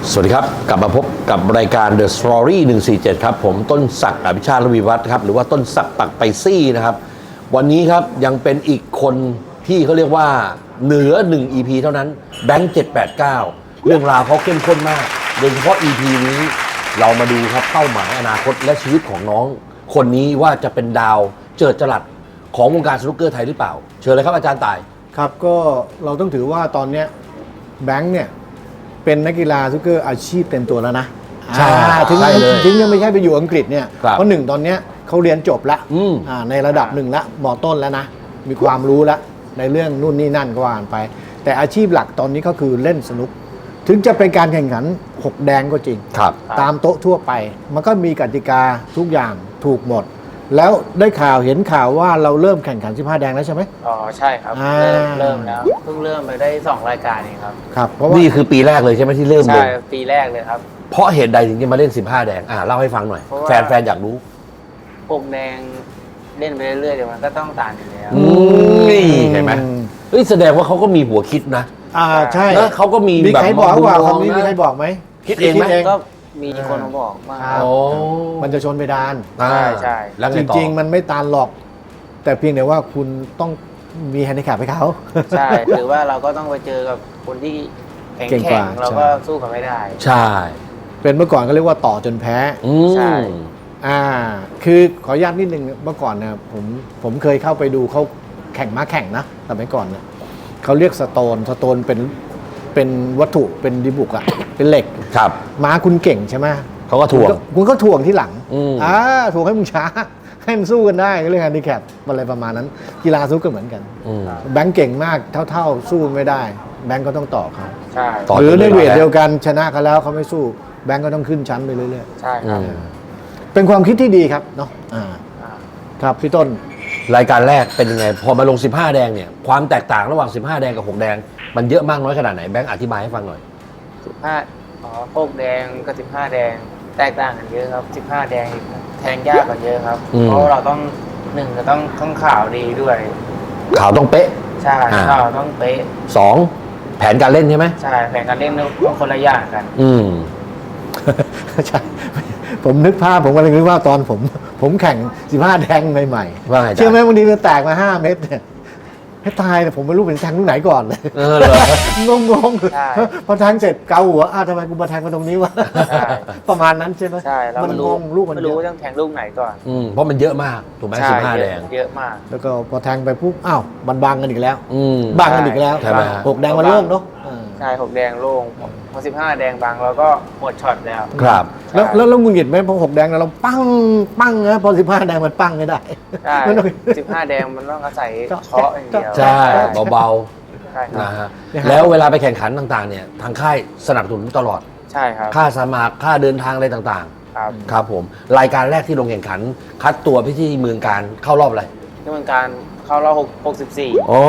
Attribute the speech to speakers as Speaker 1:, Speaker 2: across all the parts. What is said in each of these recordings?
Speaker 1: สวัสดีครับกลับมาพบกับรายการ The Story 147ครับผมต้นศักดิ์อภิชาติ ระวีวัฒน์ครับหรือว่าต้นศักดิ์ปักไปซี่นะครับวันนี้ครับยังเป็นอีกคนที่เขาเรียกว่าเหนือ1 EP เท่านั้นแบงค์789เรื่องราวเขาเข้มข้นมากโดยเฉพาะ EP นี้เรามาดูครับเป้าหมายอนาคตและชีวิตของน้องคนนี้ว่าจะเป็นดาวเจิดจรัสของวงการสนุกเกอร์ไทยหรือเปล่าเชิญเลยครับอาจารย์ต่าย
Speaker 2: ครับก็เราต้องถือว่าตอนนี้แบงค์เนี่ยเป็นนักกีฬาสนุกเกอร์อาชีพเต็มตัวแล้วนะ
Speaker 1: ใช่
Speaker 2: ถึงยังไม่ใช่ไปอยู่อังกฤษเนี่ยเพราะหนึ่งตอนนี้เขาเรียนจบแล้วในระดับหนึ่งแล้วม.ต้นแล้วนะมีความรู้แล้วในเรื่องนู่นนี่นั่นก็ว่ากันไปแต่อาชีพหลักตอนนี้ก็คือเล่นสนุกถึงจะเป็นการแข่งขัน6แดงก็จริงตามโต๊ะทั่วไปมันก็มีกติกาทุกอย่างถูกหมดแล้วได้ข่าวเห็นข่าวว่าเราเริ่มแข่งขัน15แดงแล้วใช่ไหม
Speaker 3: อ๋อใช่ครับเริ่มแล้วเพิ่งเริ่มไปได้2รายการเองครับ
Speaker 2: ครับเพราะว่า
Speaker 1: นี่คือปีแรกเลยใช่ไหมที่เริ่มเลย
Speaker 3: ใช่ปีแรกเลยครับ
Speaker 1: เพราะเหตุใดถึงจะมาเล่น15แดงเล่าให้ฟังหน่อยแฟนอยากรู้
Speaker 3: 6แดงเล่นไปเรื่อยๆเดี๋ยวมันก็ต้องต่างอยู่แล้ว
Speaker 1: นี่เห็นไหมแสดงว่าเขาก็มีหัวคิดนะ
Speaker 2: ใช่
Speaker 1: แล้วเขาก็มีแบบ
Speaker 2: ใครบอกว่าคำนี้มีใครบอกไหม
Speaker 1: คิดเองไหม
Speaker 3: ก็มีคนมาบอกว่า
Speaker 2: มันจะชนไปดาน
Speaker 3: ใช่
Speaker 2: แล้วจริงๆมันไม่ตานหรอกแต่เพียงแต่ว่าคุณต้องมีแฮนดิแคปให้เขา
Speaker 3: ใช่หรือว่าเราก็ต้องไปเจอกับคนที่แข็งเราก็สู้กันไม่ได้
Speaker 1: ใช่
Speaker 2: เป็นเมื่อก่อนก็เรียกว่าต่อจนแพ้
Speaker 3: ใช่
Speaker 2: คือขออนุญาตนิดนึงเมื่อก่อนนะผมเคยเข้าไปดูเขาแข่งม้าแข่งนะแต่เมื่อก่อนเนี่ยเขาเรียกสโตนเป็นวัตถุเป็นดิบุกอะเป็นเหล็ก
Speaker 1: ครับ
Speaker 2: ม้าคุณเก่งใช่ไหม
Speaker 1: เขาก็ถ่วง
Speaker 2: คุณก็ถ่วงที่หลังถ่วงให้มึงช้าให้มันสู้กันได้เรื่องแฮนดิแคปอะไรประมาณนั้นกีฬาสู้ก็เหมือนกันแบงค์เก่งมากเท่าสู้ไม่ได้แบงค์ก็ต้องต่อเขาหรือในเวทเดียวกันชนะเขาแล้วเขาไม่สู้แบงค์ก็ต้องขึ้นชั้นไปเรื่อย
Speaker 3: ๆใช่ครับ
Speaker 2: เป็นความคิดที่ดีครับเนาะครับพี่ต้น
Speaker 1: รายการแรกเป็นยังไงพอมาลง15แดงเนี่ยความแตกต่างระหว่าง15แดงกับ6แดงมันเยอะมากน้อยขนาดไหนแบงค์อธิบายให้ฟังหน่อย
Speaker 3: 6แดงกับ15แดงแตกต่างกันเยอะครับ15แดงแทงยากกว่าเยอะครับเพราะเราต้อง1จะต้องข่าวดีด้วย
Speaker 1: ข่าวต้องเป๊ะ
Speaker 3: ใช่ข่าวต้องเป๊ะ
Speaker 1: 2แผนการเล่นใช่ไหม
Speaker 3: ใช่แผนการเล่นต้องคนละอย่างกัน
Speaker 2: ใช่ผมนึกภาพผมกำลังนึกว่าตอนผมแข่ง15แดงใหม่ๆเชื่อไหมวันนี้มันแตกมา5เม็ดเนี่ยให้ตายแต่ผมไม่รู้เป็นแทงลูกไหนก่อนเลยงงพอแทงเสร็จเกาหัวทำไมกูมาแทงมาตรงนี้วะประมาณนั้นใช่ไหม
Speaker 3: ใช่
Speaker 2: มันงงลูกมัน
Speaker 3: ไม่รู้ต้องแทงลูกไหนก่อน
Speaker 1: เพราะมันเยอะมากถูกไหม15แดง
Speaker 3: เยอะมาก
Speaker 2: แล้วก็พอแทงไปปุ๊บมันบังกันอีกแล้วบังกันอีกแล้ว6แดงมันโล่งเนาะ
Speaker 3: ใช่6แดงโล่งพอ15แดงบางเราก็หมดช็อตแล้ว
Speaker 1: ครับ
Speaker 2: แล้วงุนหงิดไหมพอ6แดงเราปั้งนะพอ15แดงมันปั้งไม่ได้
Speaker 3: ใช่15แดงมันต้องอาศัยเคาะอย่างเดียว
Speaker 1: ใช่เบาๆนะฮะแล้วเวลาไปแข่งขันต่างๆเนี่ยทางค่ายสนับสนุนตลอด
Speaker 3: ใช่ครับ
Speaker 1: ค่าสมัครค่าเดินทางอะไรต่างๆครับผมรายการแรกที่ลงแข่งขันคัดตัวไปที่เมืองการเข้ารอบอะไร
Speaker 3: ที่เมืองการเข้ารอบ64
Speaker 1: โอ้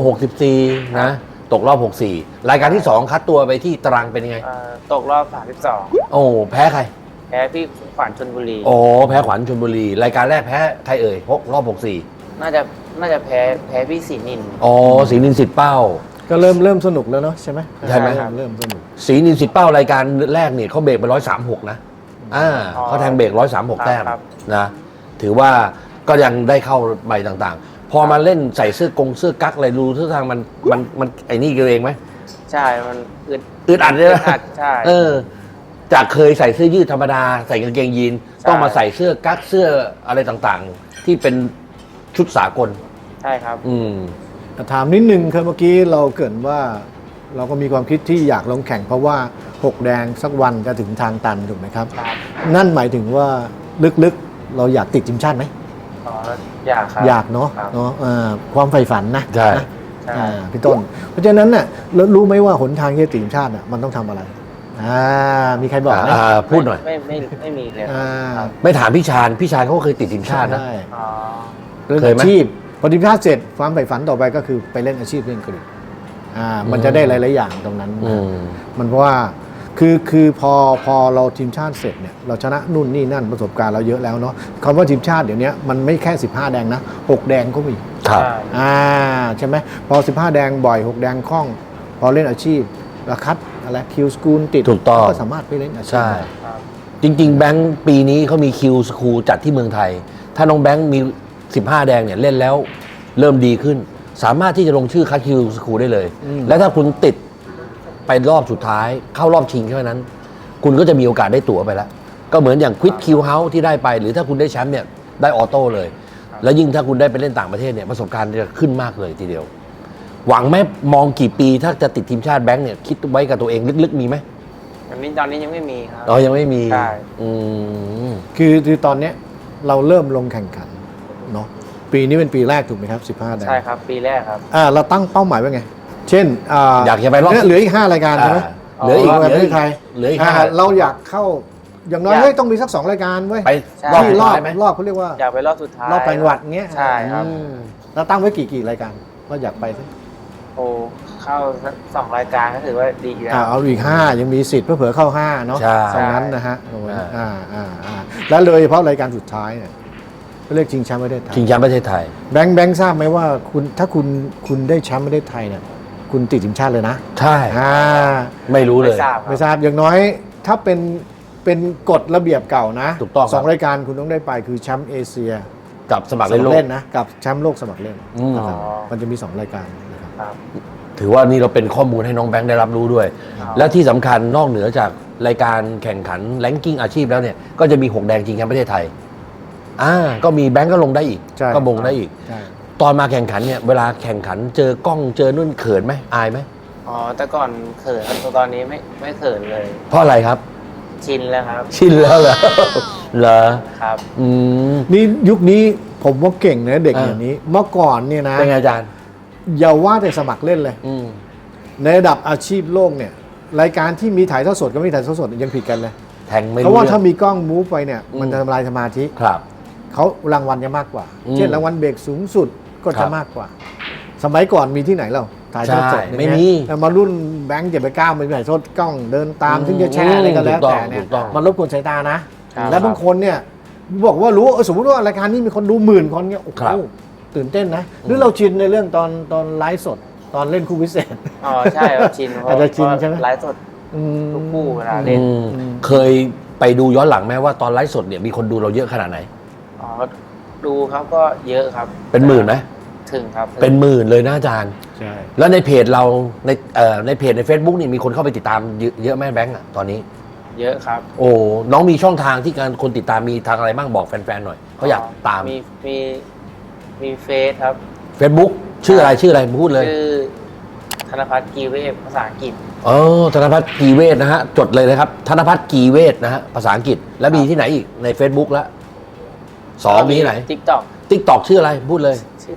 Speaker 1: 64นะตกรอบ64รายการที่2คัดตัวไปที่ตรังเป็นยังไง
Speaker 3: ตกรอบ32
Speaker 1: โอ้แพ้ใคร
Speaker 3: แพ้พี่ขวัญชลบุรี
Speaker 1: โอ้แพ้ขวัญชลบุรีรายการแรกแพ้ใครเอ่ยรอบ64
Speaker 3: น่าจะแพ้พี่ศรีนิน
Speaker 1: ศรีนินสิทธิ์เป้า
Speaker 2: ก็เริ่มสนุกแล้วเนาะใช่ไหม
Speaker 1: ใช่ไหม
Speaker 2: เริ่มสนุก
Speaker 1: ศรีนินสิทธิ์เป้ารายการแรกเนี่ยเขาเบรกไป136นะเขาแทงเบรก136แต้มนะถือว่าก็ยังได้เข้าใบต่างๆพอมาเล่นใส่เสื้อกั๊กอะไรรู้ท่าทางมันไอ้นี่กันเองไหม
Speaker 3: ใช่มัน
Speaker 1: อึดอัดเลยนะ
Speaker 3: ใช่
Speaker 1: จากเคยใส่เสื้อยืดธรรมดาใส่กางเกงยีนต้องมาใส่เสื้อกั๊กเสื้ออะไรต่างๆที่เป็นชุดสากล
Speaker 3: ใช่ครับ
Speaker 2: ถามนิดนึงคือเมื่อกี้เราเกริ่นว่าเราก็มีความคิดที่อยากลงแข่งเพราะว่า6แดงสักวันจะถึงทางตันถูกไหมครับนั่นหมายถึงว่าลึกๆเราอยากติดทีมชาติไหม
Speaker 3: อยากครับ
Speaker 2: อยากเนาะความใฝ่ฝันนะ
Speaker 1: ใช่
Speaker 2: พี่ต้นเพราะฉะนั้นน่ะรู้ไหมว่าหนทางที่จะติดทีมชาติมันต้องทำอะไรมีใครบอกไหม
Speaker 1: พูดหน่อย
Speaker 3: ไม่มีเลย
Speaker 1: ไม่ถามพี่ชาญเขาเคยติดทีมชาตินะ
Speaker 2: เคยไหมอาชีพพอทีมชาติเสร็จความใฝ่ฝันต่อไปก็คือไปเล่นอาชีพเล่นกรีฑามันจะได้หลายๆอย่างตรงนั้นมันเพราะว่าคือพอเราทีมชาติเสร็จเนี่ยเราชนะนู่นนี่นั่นประสบการณ์เราเยอะแล้วเนาะคำว่าทีมชาติเดี๋ยวนี้มันไม่แค่15แดงนะ6แดงก็มี
Speaker 1: ครับ
Speaker 2: ใช่ไหมพอ15แดงบ่อย6แดงคล่องพอเล่นอาชีพราคัดอะไรคิวสกูลติด
Speaker 1: ถูกต้อง
Speaker 2: ก็สามารถไปเล่นอาชีพ
Speaker 1: ใช่
Speaker 2: ได้
Speaker 3: ครับ
Speaker 1: จริงๆแบงค์ปีนี้เขามีคิวสคูลจัดที่เมืองไทย ถ้าน้องแบงค์มี 15 แดงเนี่ยเล่นแล้วเริ่มดีขึ้น สามารถที่จะลงชื่อคัดคิวสคูลได้เลย และถ้าคุณติดไปรอบสุดท้ายเข้ารอบชิงแค่นั้น คุณก็จะมีโอกาสได้ตั๋วไปแล้ว ก็เหมือนอย่างควิดคิวเฮาส์ที่ได้ไป หรือถ้าคุณได้แชมป์เนี่ยได้ออโต้เลย แล้วยิ่งถ้าคุณได้ไปเล่นต่างประเทศเนี่ยประสบการณ์จะขึ้นมากเลยทีเดียว หวังไหมมองกี่ปีถ้าจะติดทีมชาติแบงค์เนี่ยคิดไว้กับตัวเองลึกๆมีไหม
Speaker 3: ตอนนี้ยังไม่มีครับ
Speaker 1: อ๋อยังไม่มี
Speaker 3: ใช่
Speaker 1: อืม
Speaker 2: คือตอนเนี้ยเราเริ่มลงแข่งขันเนาะปีนี้เป็นปีแรกถูกไหมครับ15แดง
Speaker 3: ใช่ครับ ปีแรกครับ
Speaker 2: เราตั้งเป้าหมายไว้ไง เช่น
Speaker 1: อยากจะไปรอบ
Speaker 2: เนี่ยเหลืออีก5รายการใช่ไหม
Speaker 1: เหลืออีก
Speaker 2: ประเทศไทย
Speaker 1: เหลืออีก
Speaker 2: เราอยากเข้าอย่างน้อย
Speaker 3: อยาก
Speaker 2: เฮ้ยต้องมีสัก2รายการเว้ย
Speaker 1: ไป
Speaker 3: ใช่
Speaker 1: รอบ
Speaker 2: ที่
Speaker 1: สุด
Speaker 2: รอบ
Speaker 1: ท้ายไหม
Speaker 2: รอบเขาเรียกว่า
Speaker 3: อยากไปรอบสุดท้าย
Speaker 2: รอบจังหวัดเงี้ย
Speaker 3: ใช่ครับ
Speaker 2: เราตั้งไว้กี่รายการว่าอยากไปสิ
Speaker 3: โอ้เข้าสัก2 รายการก็ถือว่าดีแล้ว
Speaker 2: เอาอีก5ยังมีสิทธิ์เพื่อเข้า5เนาะ
Speaker 1: ใช่
Speaker 2: ตรงนั้นนะฮะโอ้ย
Speaker 1: อ่า
Speaker 2: แล้วโดยเฉพาะรายการสุดท้ายเนี่ยเรียกชิงแชมป์ประเทศไทย
Speaker 1: ชิงแชมป์ประเทศไทย
Speaker 2: แบงค์ทราบไหมว่าถ้าคุณได้แชมป์ประเทศไทยเนี่ยคุณติดทีมชาติเลยนะ
Speaker 1: ใช่
Speaker 2: อ่า
Speaker 1: ไม่รู้เลย
Speaker 3: ไม่ทราบ
Speaker 2: ไม่ทราบอย่างน้อยถ้าเป็นกฎระเบียบเก่านะ
Speaker 1: ถูกต้องครับ
Speaker 2: สองรายการคุณต้องได้ไปคือแชมป์เอเชีย
Speaker 1: กับสมัคร
Speaker 2: ส
Speaker 1: เล่น
Speaker 2: มั
Speaker 1: โล
Speaker 2: คร
Speaker 1: ก
Speaker 2: เล่นนะกับแชมป์โลกสมัครเล่น
Speaker 1: อืม
Speaker 2: นะครับมันจะมี2รายการนะครับ
Speaker 3: ครับ
Speaker 1: ถือว่านี่เราเป็นข้อมูลให้น้องแบงค์ได้รับรู้ด้วย
Speaker 3: ครับ
Speaker 1: และที่สำคัญนอกเหนือจากรายการแข่งขันแรงกิ้งอาชีพแล้วเนี่ย ก็จะมี6แดงชิงแชมป์ประเทศไทยก็มีแบงค์ก็ลงได้อีก
Speaker 2: ใช่
Speaker 1: ก็มงได้อีก
Speaker 2: ใช่
Speaker 1: ตอนมาแข่งขันเนี่ยเวลาแข่งขันเจอกล้องเจอนุ่นเขินไหมอายไหม
Speaker 3: อ๋อแต่ก่อนเขินครับตอนนี้ไม่เขินเลย
Speaker 1: เพราะอะไรครับ
Speaker 3: ชินแล้วครับ
Speaker 1: ชินแล้วเหรอ เหรอ
Speaker 3: ครับ
Speaker 1: อืม
Speaker 2: นี่ยุคนี้ผมว่าเก่งนะเด็ก
Speaker 1: อ่า
Speaker 2: อย่างนี้เมื่อก่อนเนี่ยนะ
Speaker 1: เป็นไงอาจารย์
Speaker 2: อย่าว่าแต่สมัครเล่นเลย
Speaker 1: อืม
Speaker 2: ในระดับอาชีพโลกเนี่ยรายการที่มีถ่ายทอดสดกับไม่มีถ่ายทอดสดยังผิดกันเลย
Speaker 1: แทงไม่
Speaker 2: เพ
Speaker 1: รู้
Speaker 2: ราะว่า
Speaker 1: เรื่
Speaker 2: ถ้า
Speaker 1: อง
Speaker 2: มีกล้องมูฟไปเนี่ยมันจะทำลายสมาธิ
Speaker 1: ครับ
Speaker 2: เขารางวัลจะมากกว่า
Speaker 1: อืม
Speaker 2: เช่นรางวัลเบรกสูงสุดก็
Speaker 1: ครั
Speaker 2: จะ
Speaker 1: บ
Speaker 2: มากกว่า สมัยก่อนมีที่ไหนเราถ่ายทอดสด
Speaker 1: ใช่
Speaker 2: เนี่ย
Speaker 1: ไม่มี
Speaker 2: แต่มารุ่นแบงค์789ไม่มีถ่ายทอดกล้องเดินตามถึงจะแชร์อะไรก็แล้ว
Speaker 1: ถูกต้อง
Speaker 2: แต่เนี่ย
Speaker 1: ถูกต้อง
Speaker 2: มันรบกวนสายตานะ
Speaker 3: ครับ
Speaker 2: และบางคนเนี่ยบอกว่ารู้สมมติว่ารายการนี้มีคนดู10,000 คนเนี่ยโอ้
Speaker 1: ครับ
Speaker 2: โหตื่นเต้นนะหรือเราชินในเรื่องตอนไลฟ์สดตอนเล่นคู่พิเศษ
Speaker 3: อ๋อใช่ครับชินเพราะ
Speaker 2: อาจจะชินใช่ไหม
Speaker 3: ไลฟ์สด
Speaker 2: อืม
Speaker 3: ทุกคู่เวลาเล่น
Speaker 1: เคยไปดูย้อนหลังไหมว่าตอนไลฟ์สดเนี่ยมีคนดูเราเยอะขนาดไหน
Speaker 3: อ๋อดูครับก็เยอะครับ
Speaker 1: เป็นหมื่นไหม
Speaker 3: ถึงครับ
Speaker 1: เป็นหมื่นเลยนะอาจารย์
Speaker 2: ใช่
Speaker 1: แล้วในเพจเราในเพจใน Facebook นี่มีคนเข้าไปติดตามเยอะไหมแบงค์อ่ะตอนนี้
Speaker 3: เยอะครับ
Speaker 1: โอ้น้องมีช่องทางที่การคนติดตามมีทางอะไรบ้างบอกแฟนๆหน่อยเขาอยากตาม
Speaker 3: มีเฟซครับ
Speaker 1: Facebook ชื่ออะไรพูดเลย
Speaker 3: ชื่อธนพัฒน์กีเวฟภาษาอังกฤษ
Speaker 1: ธนพัฒน์กีเวทนะฮะจดเลยนะครับธนพัฒน์กีเวทนะฮะภาษาอังกฤษแล้วมีที่ไหนอีกใน Facebook แล้วมีที่ไหน
Speaker 3: ทิกตอก
Speaker 1: TikTok ชื่ออะไรพูดเลย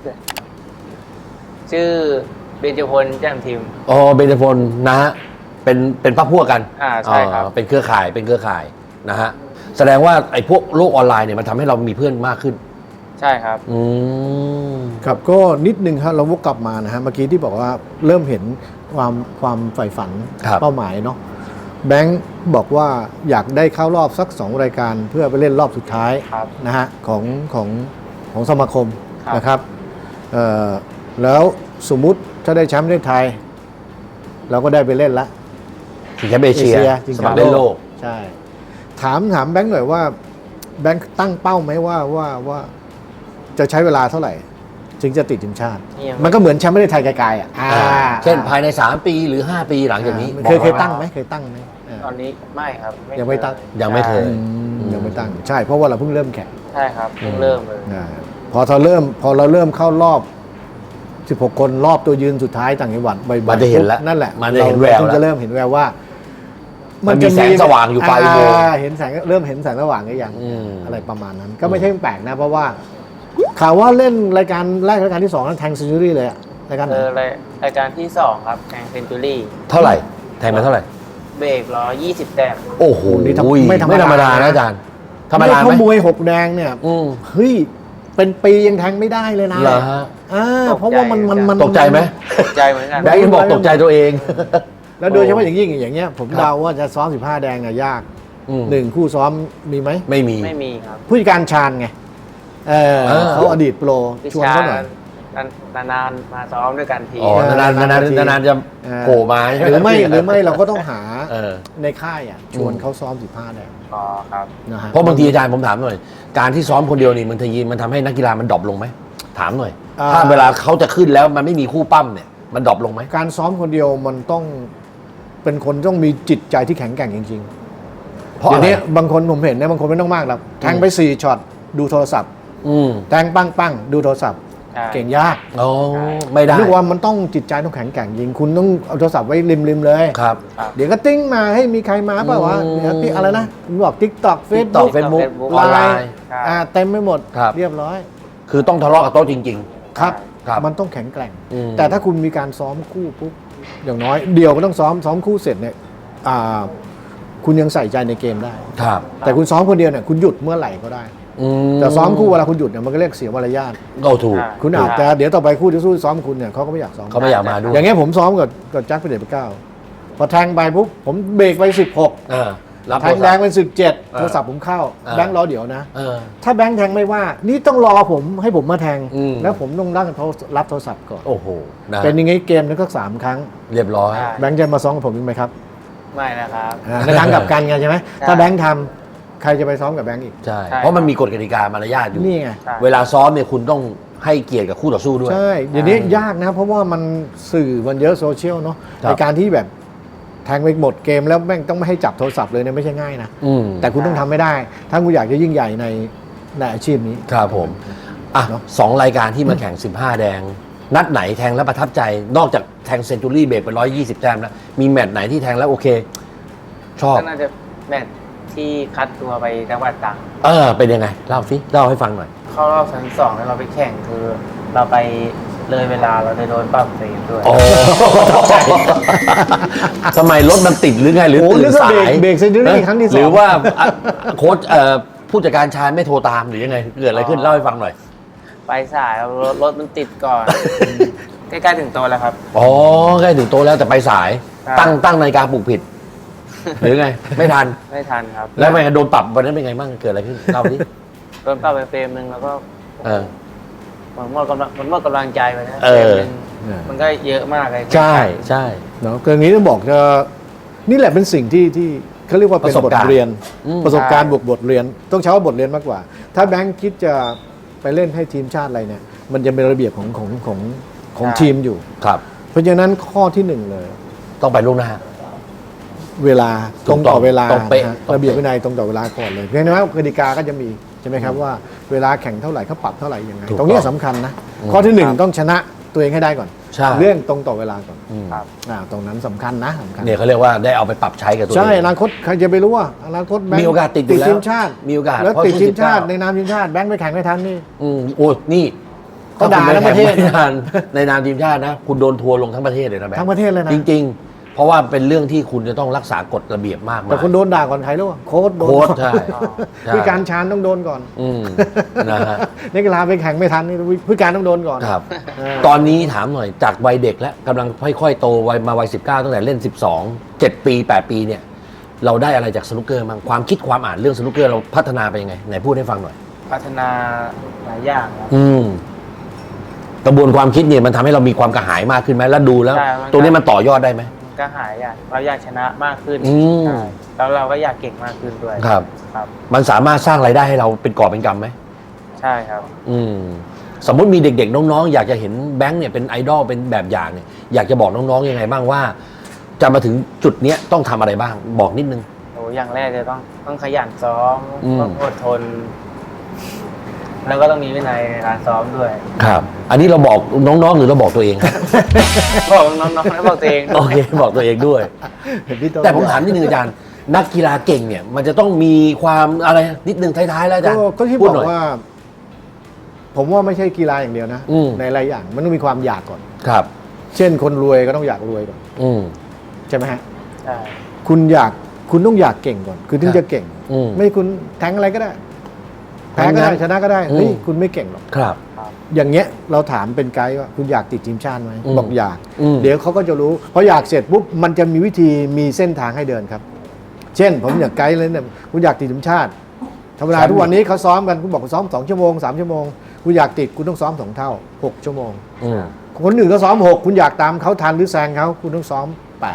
Speaker 3: ชื่อเบญจพลแจ่มทิม
Speaker 1: เบญจพลนะฮะเป็นพรรคพวกกัน
Speaker 3: ใช่ครับ
Speaker 1: เป็นเครือข่ายนะฮะแสดงว่าไอ้พวกโลกออนไลน์เนี่ยมันทำให้เรามีเพื่อนมากขึ้น
Speaker 3: ใช่ครับ
Speaker 1: อืม
Speaker 2: ครับก็นิดนึงครับเราวกกลับมานะฮะเมื่อกี้ที่บอกว่าเริ่มเห็นความใฝ่ฝัน
Speaker 1: ครับ
Speaker 2: เป้าหมายเนาะแบงค์บอกว่าอยากได้เข้ารอบสัก 2 รายการเพื่อไปเล่นรอบสุดท้าย
Speaker 3: ครับ
Speaker 2: นะฮะของสมาคม
Speaker 3: ครับ
Speaker 2: นะครับแล้วสมมุติถ้าได้แชมป์ประเทศไทย เราก็ได้ไปเล่นละ
Speaker 1: ชิงแชมป์เอเชีย
Speaker 2: ชิง
Speaker 1: ส
Speaker 2: แช
Speaker 1: มัค
Speaker 2: ม
Speaker 1: ร
Speaker 2: ป์
Speaker 1: เล่นโลก
Speaker 2: ใช่ถามแบงค์หน่อยว่าแบงค์ตั้งเป้าไหมว่าจะใช้เวลาเท่าไหร่ ถึงจะติดทีมชาติ
Speaker 3: ยัง
Speaker 2: มันก็เหมือนแชมป์ประเทศไทยไกลๆอ่ะ
Speaker 1: เช่นภายใน 3 ปีหรือ 5 ปีหลังจากนี้
Speaker 2: เคย
Speaker 1: บอก
Speaker 2: ตั้งไหมเคยตั้งไหม
Speaker 3: ตอนนี้ไม่ครับ
Speaker 2: ยังไม่ตั้ง
Speaker 1: ยังไม่เคย
Speaker 2: ยังไม่ตั้งใช่เพราะว่าเราเพิ่งเริ่มแข่ง
Speaker 3: ใช่ครับเพิ่งเริ่มเลย
Speaker 2: พอเราเริ่มเข้ารอบ 16 คนรอบตัวยืนสุดท้ายต่างจังหวัดบ่อยๆ
Speaker 1: มันจะเห็นแล้ว
Speaker 2: นั่นแหละ
Speaker 1: มันจะเห็นแวว
Speaker 2: รา
Speaker 1: แล้ว
Speaker 2: จะเริ่มเห็นแววว่า
Speaker 1: มันมีแสงสว่างอยู่ปลายอุโมงค์
Speaker 2: เห็นแสงเริ่มเห็นแสงสว่างก็ยัง
Speaker 1: อืม
Speaker 2: อะไรประมาณนั้น ก็ไม่ใช่แปลกนะ เพราะว่าข่าวว่าเล่นรายการแรกรายการที่2นั้นแทงเซนจูรี่เลยอะรายการไหน
Speaker 3: รายการที่ 2 ครับแข่งเซนจูรี่
Speaker 1: เท่าไหร่ แทงมาเท่าไหร่
Speaker 3: เบรก120 แต้ม
Speaker 1: โอ้โห
Speaker 2: นี่ไม่ธรรมดา
Speaker 1: นะอาจารย์ธรรมดาไห
Speaker 2: เขา
Speaker 1: ม
Speaker 2: มวย6 แดงเนี่ย
Speaker 1: อืม
Speaker 2: เฮ้ยเป็นปียังแทงไม่ได้เลยนะ
Speaker 1: เหรอฮะ
Speaker 2: เพราะว่ามัน
Speaker 1: ตกใจไหม
Speaker 3: ตกใจเหมือนกัน
Speaker 1: แบงค์ยังบอกตกใจตัวเอง
Speaker 2: แล้วโดยเฉพาะอย่างยิ่งอย่างเงี้ยผม
Speaker 1: ครับ
Speaker 2: เดาว่าจะซ้อม15 แดงอะยาก
Speaker 1: อืม
Speaker 2: 1 คู่ซ้อมมีไหม
Speaker 1: ไม่มี
Speaker 3: ไม่มีครับ
Speaker 2: ผู้จัดการชาญไง
Speaker 1: เออ
Speaker 2: เขาอดีตโปร
Speaker 3: วิ
Speaker 2: ชวน
Speaker 3: ชา
Speaker 2: เขาหน่อย
Speaker 3: นานๆมาซ้อมด้วยกันที
Speaker 1: อ๋อนานๆจะโผล่มา
Speaker 2: หรือไม่เราก็ต้องหา
Speaker 1: เออ
Speaker 2: ในค่ายอ่ะชวนเขาซ้อม15แดง
Speaker 3: อ๋อครับ
Speaker 2: นะฮะ
Speaker 1: เพราะบางทีอาจารย์ผมถามหน่อย การที่ซ้อมคนเดียวนี่มันทำให้นักกีฬามันดรอปลงไหมถามหน่อย ถ้าเวลาเขาจะขึ้นแล้วมันไม่มีคู่ปั้มเนี่ยมันดรอปลงไหม
Speaker 2: การซ้อมคนเดียวมันต้องเป็นคนต้องมีจิตใจที่แข็งแกร่งจริงๆ
Speaker 1: เพราะ
Speaker 2: เดี๋ย
Speaker 1: อะไร
Speaker 2: วนี้บางคนผมเห็นเนี่ยบางคนไม่ต้องมากหรอกแทงไป4ช็อตดูโทรศัพท์
Speaker 1: อืม
Speaker 2: แทงปั้งดูโทรศัพท์
Speaker 3: ใช่
Speaker 2: เก่งยาก
Speaker 1: อ๋อไม่ได้
Speaker 2: นึกว่ามันต้องจิตใจต้องแข็งแกร่งจริงคุณต้องเอาโทรศัพท์ไว้ริมเลย
Speaker 1: ครับ
Speaker 2: เดี๋ยวก็ติ้งมาให้มีใครมาเปล่าวะ
Speaker 1: อืม
Speaker 2: เดี๋ยวติ๊กอะไรนะคุณบอก TikTok
Speaker 1: TikTok
Speaker 2: Facebook
Speaker 1: Facebook
Speaker 2: ไล
Speaker 1: ออนไล
Speaker 2: น์
Speaker 1: น์
Speaker 2: เต็มไปหมด
Speaker 1: ครับ
Speaker 2: เรียบร้อย
Speaker 1: คือต้องทะเลาะกับโต๊ะจริง
Speaker 2: ครับ
Speaker 1: ครับ
Speaker 2: มันต้องแข็งแกร่ง
Speaker 1: อืม
Speaker 2: แต่ถ้าคุณมีการซ้อมคู่ปุ๊บอย่างน้อยเดียวก็ต้องซ้อมคู่เสร็จเนี่ยคุณยังใส่ใจในเกมได้
Speaker 1: ๆ ครับ
Speaker 2: แต่คุณซ้อมคนเดียวเนี่ยคุณหยุดเมื่อไหร่ก็ได้ แต่ซ้อมคู่เวลาคุณหยุดเนี่ยมันก็เรียกเสียมารยาท
Speaker 1: ก็ถูก
Speaker 2: คุณอาจจะเดี๋ยวต่อไปคู่ที่สู้ซ้อมคุณเนี่ยเขาก็ไม่อยากซ้อม
Speaker 1: เขาไม่อยากมาด้วย
Speaker 2: อย่างเงี้ยผมซ้อมกับแจ็คพระเดชพระเก้าพอแทงไปปุ๊บผมเบรกไป16
Speaker 1: เออรับ
Speaker 2: แทงแดงเป็น17โทรศัพท์ผมเข้า
Speaker 1: เออ
Speaker 2: แบงค์รอเดี๋ยวนะ
Speaker 1: เออ
Speaker 2: ถ้าแบงค์แทงไม่ว่า นี่ต้องรอผมให้ผมมาแทง
Speaker 1: อืม
Speaker 2: แล้วผมต้องรับโทรศัพท์ก่อน
Speaker 1: โอ้โหนะ
Speaker 2: เป็นยังไงเกมนึงก็3ครั้ง
Speaker 1: เรียบร้อย
Speaker 3: ใช่
Speaker 2: แบงค์จะมาซ้อมกับผมอีกไหมครับ
Speaker 3: ไม่นะครับ
Speaker 2: ในทางกลับกันไงใช่ไหม
Speaker 3: ใช่
Speaker 2: ถ้าแบงค์ทำใครจะไปซ้อมกับแบงค์อีก
Speaker 1: ใช่
Speaker 3: ใช่
Speaker 1: เพราะมันมีกฎกติกามารยาทอยู่
Speaker 2: นี่ไง
Speaker 3: ใช่
Speaker 1: เวลาซ้อมเนี่ยคุณต้องให้เกียรติกับคู่ต่อสู้ด้วย
Speaker 2: ใช่เดี๋ยวนี้ยากนะเพราะว่ามันสื่อมันเยอะโซเชียลเนาะ
Speaker 1: ครับ
Speaker 2: ในการที่แบบแทงไปหมดเกมแล้วแม่งต้องไม่ให้จับโทรศัพท์เลยเนี่ยไม่ใช่ง่ายนะ
Speaker 1: อืม
Speaker 2: แต่คุณต้องทำไม่ได้ ถ้าคุณอยากจะยิ่งใหญ่ในอาชีพนี้
Speaker 1: ครับผม อ่ะ
Speaker 2: เนอะ
Speaker 1: 2 รายการที่มาแข่ง 15 แดง นัดไหนแทงแล้วประทับใจ นอกจากแทงเซนจูรี่เบรกไป120 แต้มแล้ว มีแมตช์ไหนที่แทงแล้วโอเค ชอบ
Speaker 3: ก็น่าจะแมตช์ที่คัดตัวไปจังหวัดตรัง
Speaker 1: เป็นยังไง เล่าสิเล่าให้ฟังหน่อย
Speaker 3: เข้ารอบชั้น2แล้วเราไปแข่งคือ เราไปเลยเวลาเราได้โดนปรับเฟรมด้วย
Speaker 1: โอ้ ทำไมรถมันติดหรือไงหรือ
Speaker 2: โอ้
Speaker 1: ตื่
Speaker 2: นึ
Speaker 1: น
Speaker 2: กว่า
Speaker 1: สา
Speaker 2: เบรก
Speaker 1: ย
Speaker 2: เบรกเซนจูรี่ครั้งที่
Speaker 1: หรือ
Speaker 2: 2
Speaker 1: ว่าโค้ชผู้จัดการชาญไม่โทรตามหรือยังไง เกิดอะไรขึ้นเล่าให้ฟังหน่อย
Speaker 3: ไปสายครับรถมันติดก่อน ใกล้ๆถึงโตะแล้วครับ
Speaker 1: อ๋อใกล้ถึงโตะแล้วแต่ไปสาย
Speaker 3: ครับ
Speaker 1: ตั้งนาฬิกาปลุกผิด หรือไง ไม่ทัน
Speaker 3: ไม่ทันครับ
Speaker 1: แล้วไงโดนปรับวันนั้นเป็นไงบ้างเกิดอะไรขึ้นเล่าดิ
Speaker 3: โดนปรับไปเฟรมหนึ่งแล้วก็
Speaker 1: เออ
Speaker 3: มันหมดกำลังใจไปนะ
Speaker 1: เออ
Speaker 3: เฟรมหนึ่งมันก็เยอะมากเลย
Speaker 1: ใช่ใช่
Speaker 2: เนาะคืออย่างนี้ต้องบอกจะนี่แหละเป็นสิ่งที่เขาเรียกว่าเป็น
Speaker 1: ประส
Speaker 2: บบ ท
Speaker 1: การณ์
Speaker 2: เรียน
Speaker 1: อืม
Speaker 2: ประสบการณ์บทเรียน ต้องใช้ว่าบทเรียนมากกว่า ถ้าแบงค์คิดจะไปเล่นให้ทีมชาติอะไรเนี่ย มันจะเป็นระเบียบของทีมอยู่
Speaker 1: ครับ
Speaker 2: เพราะฉะนั้นข้อที่หนึ่งเลย
Speaker 1: ต้องไปล่วงหน้า
Speaker 2: เวลาตรงต่อเวลา
Speaker 1: ต้องเป๊ะ
Speaker 2: นะฮะ
Speaker 1: ต้องเป๊ะ
Speaker 2: ระเบียบวินัยตรงต่อเวลาก่อนเลยเพราะฉะนั้นกติกาก็จะมีใช่ไหมครับว่าเวลาแข่งเท่าไหร่เขาปรับเท่าไหร่ยังไง
Speaker 1: ถูก
Speaker 2: ตรงเนี้ย
Speaker 1: ต้อง
Speaker 2: สำคัญนะข้อที่หนึ่งต้องชนะตัวเองให้ได้ก่อน
Speaker 1: ใช่
Speaker 2: เรื่องตรงต่อเวลาก่อน
Speaker 1: อืม
Speaker 3: ครับ
Speaker 2: ตรงนั้นสำคัญนะสำคัญ
Speaker 1: เนี่ยเขาเรียกว่าได้เอาไปปรับใช้กับตัวเอง
Speaker 2: ใช่อนาคตใครจะไปรู้ว่าอนาคตแบงค์
Speaker 1: มีโอกาสติดอยู่แล้ว
Speaker 2: ทีมชาติ
Speaker 1: มีโอกาส
Speaker 2: แล้ว
Speaker 1: เพราะ
Speaker 2: ติดทีมชาติ
Speaker 1: 19
Speaker 2: ในนามทีมชาติแบงค์ไปแข่งไม่ทันนี่
Speaker 1: โอ้นี่
Speaker 2: ก็ด่าทั้งประเทศ
Speaker 1: ถ้าคุณไม่แข่งไม่ทันในนามทีมชาตินะ คุณโดนทัวร์ลงทั้งประเทศเลยนะแบงค์
Speaker 2: ทั้งประเทศเลยนะ
Speaker 1: จริง ๆ เพราะว่าเป็นเรื่องที่คุณจะต้องรักษากฎระเบียบมากมาย
Speaker 2: แต่คนโดนด่าก่อนใครรู้ป่ะโค้ชโดน
Speaker 1: โค้ช
Speaker 2: ก่อน
Speaker 1: ใช่ใช่
Speaker 2: ผู้การชาญต้องโดนก่อน
Speaker 1: อืมนะฮะ
Speaker 2: นักกีฬาไปแข่งไม่ทันนี่ผู้การต้องโดนก่อน
Speaker 1: ครับ
Speaker 2: เออ
Speaker 1: ตอนนี้ถามหน่อยจากวัยเด็กแล้วกำลังค่อยๆโตวัยมาวัย19ตั้งแต่เล่น 12 7 ปี 8 ปีเนี่ย เราได้อะไรจากสนุกเกอร์บ้างความคิดความอ่านเรื่องสนุกเกอร์เราพัฒนาไปยังไงไหนพูดให้ฟังหน่อย
Speaker 3: พัฒนาหลายอย่างครับ
Speaker 1: กระบวนความคิดเนี่ยมันทำให้เรามีความกระหายมากขึ้นไหมแล้วดูแล้ว
Speaker 3: ใช่มัน
Speaker 1: ตรงนี้มันต่อยอดได้ไหม
Speaker 3: ก็หายอยากเราอยากชนะมากขึ้น
Speaker 1: อืม
Speaker 3: ใช่แล้วเราก็อยากเก่งมากขึ้นด้วย
Speaker 1: ครับ
Speaker 3: ครับ
Speaker 1: มันสามารถสร้างรายได้ให้เราเป็นกอบเป็นกำไหม
Speaker 3: ใช่ครับ
Speaker 1: สมมุติมีเด็กๆน้องๆอยากจะเห็นแบงค์เนี่ยเป็นไอดอลเป็นแบบอย่างเนี่ยอยากจะบอกน้องๆยังไงบ้างว่า จะมาถึงจุดเนี้ยต้องทำอะไรบ้างบอกนิดนึง
Speaker 3: โอ้อย่างแรกเลยต้องขยันซ้อม
Speaker 1: อืม
Speaker 3: ต้องอดทน แล้วก็ต้องมีวินัยในการซ้อมด้วย
Speaker 1: ครับ อันนี้เราบอกน้องๆหรือเราบอกตัวเอง
Speaker 3: บอกน้องๆและบอกตัวเอง
Speaker 1: โอเคบอกตัวเองด้วย
Speaker 2: เห็นพี่โ
Speaker 1: แต่ผมถามนิดนึงอาจารย์ นักกีฬาเก่งเนี่ย มันจะต้องมีความอะไรนิดนึงท้ายๆแล้วอาจารย์
Speaker 2: ก็ที่
Speaker 1: พู
Speaker 2: บ
Speaker 1: ด
Speaker 2: อ
Speaker 1: หน่ย
Speaker 2: กว่า ผมว่าไม่ใช่กีฬาอย่างเดียวนะ
Speaker 1: อืม
Speaker 2: ในหลายอย่างมันต้องมีความอยากก่อน
Speaker 1: ครับ
Speaker 2: เช่นคนรวยก็ต้องอยากรวยก่อน
Speaker 1: อืม
Speaker 2: ใช่ไหมฮะ
Speaker 3: ใช่
Speaker 2: คุณต้องอยากเก่งก่อน คือถึงจะเก่ง
Speaker 1: อืม
Speaker 2: ไม่คุณแทงอะไรก็ได้ แพ้ก็ได้ชนะก็ได้
Speaker 1: อืม
Speaker 2: เฮ้ยคุณไม่เก่งหรอก
Speaker 1: ครับ
Speaker 2: อย่างเงี้ยเราถามเป็นไกด์ว่าคุณอยากติดทีมชาติไหม
Speaker 1: อืม
Speaker 2: บอกอยาก
Speaker 1: อืม
Speaker 2: เดี๋ยวเขาก็จะรู้พออยากเสร็จปุ๊บมันจะมีวิธีมีเส้นทางให้เดินครับ เช่น ผมอยากไกด์เลยเนี่ยคุณอยากติดทีมชาติธรรมดาทุกวันนี้เขาซ้อมกันคุณบอกซ้อม2 ชั่วโมง 3 ชั่วโมงคุณอยากติดคุณต้องซ้อม2 เท่า 6 ชั่วโมง
Speaker 1: อืม
Speaker 2: คนอื่นก็ซ้อม 6 คุณอยากตามเขาทันหรือแซงเขาคุณต้องซ้อม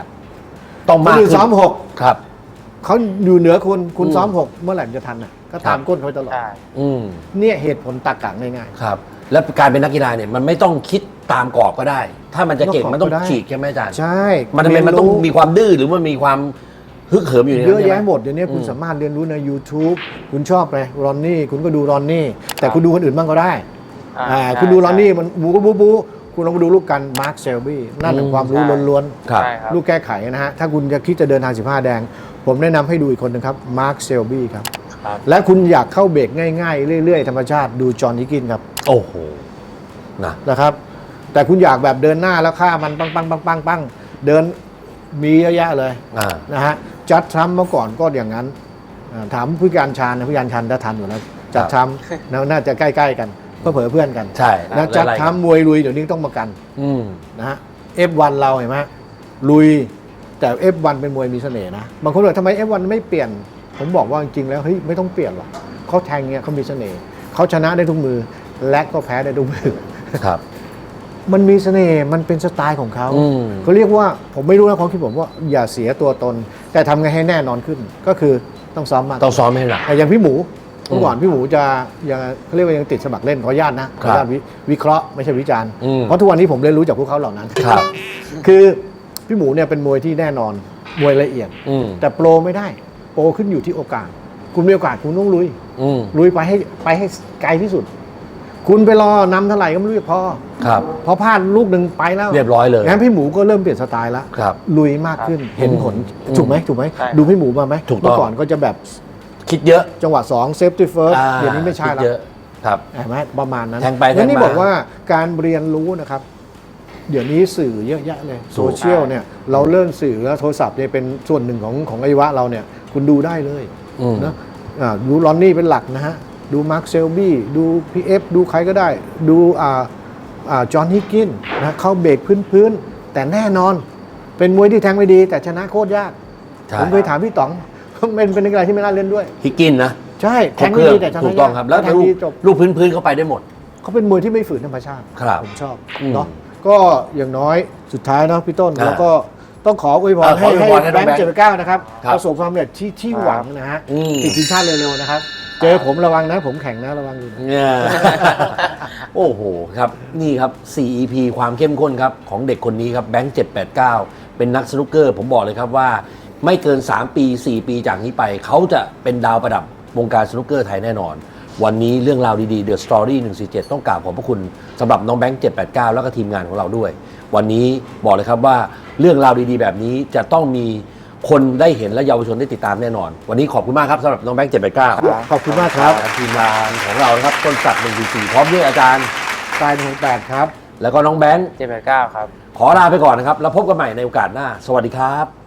Speaker 2: 8
Speaker 1: ต้อง
Speaker 2: ค
Speaker 1: มาน ก
Speaker 2: อื่น
Speaker 1: ขึ้น
Speaker 2: ซ้อม
Speaker 1: ครับ
Speaker 2: 6เขาอยู่เหนือคุณซ้อม 6 เมื่อไหร่มันจะทันอ่ะก็ตามก้นเขาตลอด
Speaker 3: ใช่
Speaker 1: อืม
Speaker 2: เนี่ยเหตุผลตรรกะง่าย
Speaker 1: ครับ แล้วการเป็นนักกีฬาเนี่ยมันไม่ต้องคิดตามกรอบก็ได้ ถ้ามันจะเก่ง
Speaker 2: นอกกรอบ
Speaker 1: มันต้อง
Speaker 2: ก็ได้
Speaker 1: ฉีกใช่ไหมอาจารย์
Speaker 2: ๆ ใช่
Speaker 1: มันทำไมมันต้องมีความดื้อหรือมันมีความฮึกเหิมอยู่ใน
Speaker 2: เย
Speaker 1: นั้น
Speaker 2: อะ
Speaker 1: ใช่ไหม
Speaker 2: แยะหมดเดี๋ยวนี้คุณสามารถเรียนรู้ใน YouTube คุณชอบไปรอนนี่คุณก็ดูรอนนี่แต่คุณดูคนอื่นบ้างก็ได้ คุณดูรอนนี่มันบูก็บูคุณลองมาดูลูกกันมาร์คเซลบี้นั่นเป็นความรู้ล้วน
Speaker 1: ครับ
Speaker 3: ใช่ครับ
Speaker 2: ๆลูกแก้ไขนะฮะถ้าคุณจะคิดจะเดินทาง15 แดง ผมแนะนำให้ดูอีกคนหนึ่งครับมาร์คเซลบี้ครับ
Speaker 3: ครับ
Speaker 2: และคุณอยากเข้าเบรกง่ายๆ เรื่อยๆ ธรรมชาติดูจอห์นฮิกกินครับ
Speaker 1: โอ้โหนะ
Speaker 2: นะครับ แต่คุณอยากแบบเดินหน้าแล้วฆ่ามันปังเดินมีเยอะแยะเลย
Speaker 1: อ่า
Speaker 2: นะฮะจัดทรัมป์เมื่อก่อนก็อย่างนั้นถามผู้การชาญนะผู้การชาญถ้าทันอยู่แล้วจัดทรัมป์น่าจะใกล้ๆกันเพื่อเผอเพื่อนกัน
Speaker 1: ใช่
Speaker 2: แล้วจัดทรัมป์มวยลุยเดี๋ยวนี้ต้องประกัน
Speaker 1: อืม
Speaker 2: นะฮะ F1 เราเห็นไหมลุยแต่ F1 เป็นมวยมีเสน่ห์นะบางคนบอกทำไม F1 ไม่เปลี่ยน ผมบอกว่าจริงๆแล้วเฮ้ยไม่ต้องเปลี่ยนหรอกเขาแทงเนี่ยเขามีเสน่ห์เขาชนะได้ทุกมือและก็แพ้ได้ทุกมือ
Speaker 1: ครับ
Speaker 2: มันมีเสน่ห์มันเป็นสไตล์ของเขา
Speaker 1: อืม
Speaker 2: เขาเรียกว่าผมไม่รู้นะความคิดผมว่าอย่าเสียตัวตน แต่ทำไงให้แน่นอนขึ้น ก็คือต้องซ้อมมาก
Speaker 1: ต้องซ้อมให้หนัก
Speaker 2: แต่อย่างพี่หมูเมื่อก่อนพี่หมูจะยังเขาเรียกว่ายังติดสมัครเล่นขออนุญาตนะขออนุญาตวิเคราะห์ไม่ใช่วิจารณ์
Speaker 1: อืม
Speaker 2: เพราะทุกวันนี้ผมเรียนรู้จากพวกเขาเหล่านั้น
Speaker 1: ครับ
Speaker 2: คือพี่หมูเนี่ยเป็นมวยที่แน่นอนมวยละเอียด
Speaker 1: อืม
Speaker 2: แต่โปรไม่ได้ โปรขึ้นอยู่ที่โอกาส คุณมีโอกาสคุณต้องลุย
Speaker 1: อืม
Speaker 2: ลุยไปให้ไกลที่สุด คุณไปรอนำเท่าไหร่ก็ไม่รู้จะพอ
Speaker 1: ครับ
Speaker 2: พอพลาดลูกหนึ่งไปแล้ว
Speaker 1: เรียบร้อยเลย
Speaker 2: งั้นพี่หมูก็เริ่มเปลี่ยนสไตล์แล้ว
Speaker 1: ครับ
Speaker 2: ลุยมากขึ้นเห็นผล
Speaker 1: อืม
Speaker 2: ถูกไหม
Speaker 3: ใช่
Speaker 2: ดูพี่หมูมาไหม
Speaker 1: ถูกต้อง
Speaker 2: เมื่อก่อนก็จะแบบ
Speaker 1: คิดเยอะ
Speaker 2: จังหวะ2 safety first
Speaker 1: อ่า
Speaker 2: เดี๋ยวนี้ไม่ใช่
Speaker 1: คิด
Speaker 2: แล้ว
Speaker 1: เยอะครับ
Speaker 2: เห็นไหมประมาณนั้น
Speaker 1: แทงไปแทง
Speaker 2: งั้นนี่
Speaker 1: มา
Speaker 2: บอกว่าการเรียนรู้นะครับ เดี๋ยวนี้สื่อเยอะแยะเลย
Speaker 1: ถูก
Speaker 2: โซเชียลเนี่ยเราเริ่มสื่อแล้วโทรศัพท์เนี่ยเป็นส่วนหนึ่งของอวัยวะเราเนี่ยคุณดูได้เลย
Speaker 1: อืม
Speaker 2: นะดูลอนนี่เป็นหลักนะฮะ ดูมาร์คเซลบี้ดูพีเอฟดูใครก็ได้ ดูจอห์นฮิกกินนะเข้าเบรกพื้นๆ แต่แน่นอน เป็นมวยที่แทงไม่ดี แต่ชนะโคตรยาก
Speaker 1: ใช่
Speaker 2: ผมเคยถามพี่ต๋อง เป็นนักกีฬาที่ไม่น่าเล่นด้วย
Speaker 1: ฮิกกินนะ
Speaker 2: ใช่แทง
Speaker 1: ครบ
Speaker 2: ไม่
Speaker 1: เครื่
Speaker 2: ดีแต่ชนะ
Speaker 1: ถูกต้องครับ แล้ว
Speaker 2: แทง
Speaker 1: ลูก
Speaker 2: ดีจบ
Speaker 1: ลูกพื้นๆเข้าไปได้หมด
Speaker 2: เขาเป็นมวยที่ไม่ฝืนธรรมชาติ
Speaker 1: ครับ
Speaker 2: ผมชอบ
Speaker 1: อืม
Speaker 2: เนาะก็อย่างน้อยสุดท้ายเนาะพี่ต้น
Speaker 1: อ่า
Speaker 2: แล้วก็ต้องขออวยพร
Speaker 1: ขออวยพรให้
Speaker 2: ให้
Speaker 1: น้
Speaker 2: แบ
Speaker 1: อง
Speaker 2: ง
Speaker 1: แบง
Speaker 2: ค์
Speaker 1: ค์
Speaker 2: 79นะครับ
Speaker 1: ครับ
Speaker 2: ประสบความสำเร็จที่หวังนะฮะ
Speaker 1: อืม
Speaker 2: ติดทีมชาติเร็วๆนะครับ เจอผมระวังนะ ผมแข่งนะระวังอยู่นะ
Speaker 1: เนี่ย โอ้โหครับนี่ครับ 4EP ความเข้มข้นครับของเด็กคนนี้ครับแบงค์789 เป็นนักสนุกเกอร์ ผมบอกเลยครับว่าไม่เกิน 3 ปี 4 ปีจากนี้ไป เขาจะเป็นดาวประดับวงการสนุกเกอร์ไทยแน่นอน วันนี้เรื่องราวดีๆ The Story 147 ต้องกราบขอบพระคุณสำหรับน้องแบงค์789 แล้วก็ทีมงานของเราด้วย วันนี้บอกเลยครับว่าเรื่องราวดีๆ แบบนี้จะต้องมีคนได้เห็นและเยาวชนได้ติดตามแน่นอน วันนี้ขอบคุณมากครับสำหรับน้องแบงค์789
Speaker 2: ขอบคุณมากครับ
Speaker 1: ทีมงานของเรานะครับต้นศักดิ์144พร้อมด้วยอาจารย์
Speaker 2: ตาย168ครับ
Speaker 1: แล้วก็น้องแบงค์
Speaker 3: 789 ครับ
Speaker 1: ขอลาไปก่อนนะครับ แล้วพบกันใหม่ในโอกาสหน้า สวัสดีครับ